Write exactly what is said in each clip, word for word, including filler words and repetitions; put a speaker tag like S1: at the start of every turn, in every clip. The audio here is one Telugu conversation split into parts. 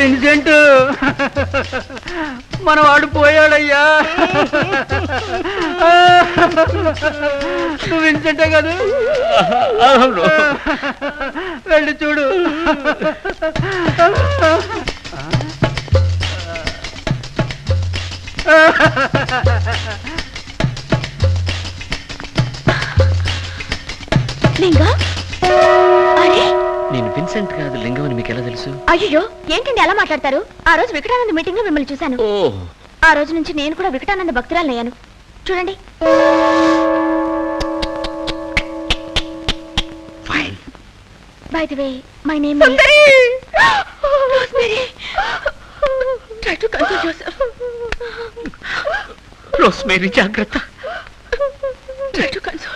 S1: విన్సెంట్ మనవాడు పోయాడయ్యా. నువ్వు విన్సెంటే కదా? వెళ్ళి చూడు.
S2: లింగా, అరే
S3: నేను విన్సెంట్ కాదు, లింగం అని మీకు ఎలా తెలుసు?
S2: అయ్యో ఏంటండి ఎలా మాట్లాడతారు? ఆ రోజు వికటానంద మీటింగ్ లో మిమ్మల్ని చూశాను.
S3: ఓ,
S2: ఆ రోజు నుంచి నేను కూడా వికటానంద భక్తురాలయ్యాను. చూడండి.
S3: Fine.
S2: By the way my name is Rosemary. Try to console yourself.
S3: Rosemary జాగ్రత్త.
S2: Try to console.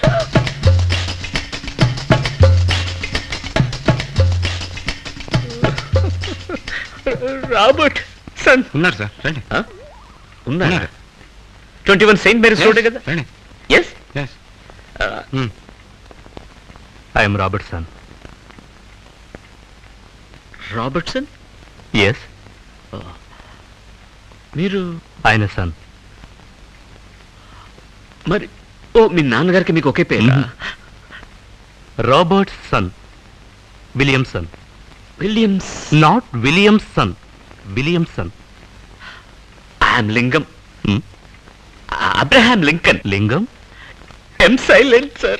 S3: Robertson
S4: ఉన్నారు సార్, రండి.
S3: ఉన్నారు. Twenty one Saint Mary's road కదా?
S4: రండి.
S3: Yes,
S4: I'm Robertson.
S3: Robertson?
S4: Yes.
S3: మీరు
S4: ఆయన సన్.
S3: మరి ఓ, మీ నాన్నగారికి మీకు ఒకే పేరు?
S4: Robertson, Williamson.
S3: Williams?
S4: Not Williamson, Williamson.
S3: I'm Lingam. Abraham Lincoln.
S4: Lingam?
S3: M silent sir.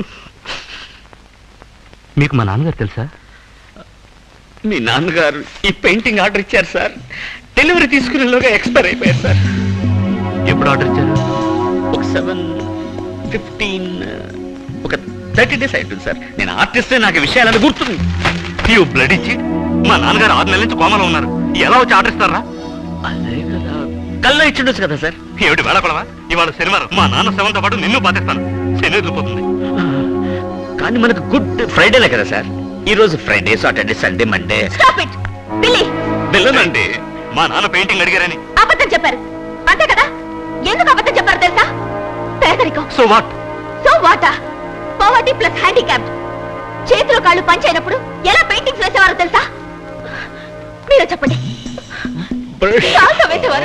S4: మీకు మా నాన్నగారు తెలుసా?
S3: మీ నాన్నగారు ఈ పెయింటింగ్ ఆర్డర్ ఇచ్చారు సార్. డెలివరీ తీసుకునేలోగా ఎక్స్పైర్ అయిపోయారు సార్.
S4: ఎప్పుడు ఆర్డర్ ఇచ్చారు?
S3: ఒక సెవెన్ ఫిఫ్టీన్ ఒక థర్టీ డేస్ అవుతుంది సార్. నేను ఆర్టిస్టే, నాకు విషయాలని గుర్తుంది.
S4: యూ బ్లడ్ ఇచ్చి మా నాన్నగారు ఆరు నెలల నుంచి కోమలో ఉన్నారు. ఎలా వచ్చి ఆర్డర్ ఇస్తారా?
S3: అదే కదా, కల్లా ఇచ్చిండొచ్చు కదా సార్.
S4: ఏమిటి వేళపడవా? ఇవాళ శనివారం, మా నాన్న శవంతో పాటు నిన్ను బాధిస్తాను. శని వదిలిపోతుంది.
S3: కానీ మనకు గుడ్ ఫ్రైడేలే కదా సార్. ఈ రోజు Friday, Saturday, Sunday, Monday.
S2: Stop it Billy.
S4: వెళ్ళనండి, మా నాన్న పెయింటింగ్ అడిగారని.
S2: అబద్ధం చెప్పారు అంతే కదా? ఎందుకు అబద్ధం చెప్పారు తెలుసా? పేదరికం.
S4: So what?
S2: సో వాటా? Poverty plus handicapped. చేతులు కాళ్ళు పంచైనప్పుడు ఎలా పెయింటింగ్స్ వేసేవారో తెలుసా? మీరు చెప్పండి. కాల్తో వేసేవారు.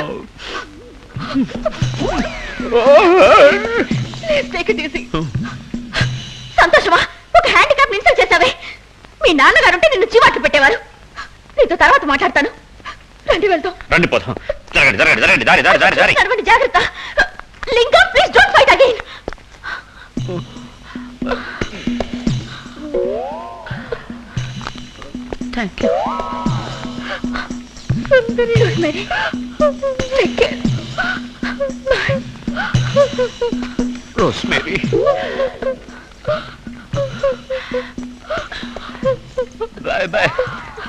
S2: Please take it easy. సంతోషమా? ఒక హ్యాండిక్యాప్ ఇన్సల్ట్ చేసావే. మీ నాన్నగారు ఉంటే నిన్ను చీవాట్లు పెట్టేవారు. నీతో తర్వాత మాట్లాడతాను. రండి వెళ్తాం.
S3: రండి పోతాం. జరగండి జరగండి జరగండి దారి దారి దారి దారి.
S2: నడవండి, జాగ్రత్త. Linga, please don't fight again.
S3: Thank you.
S2: Rosemary, take care. Bye.
S3: Rosemary.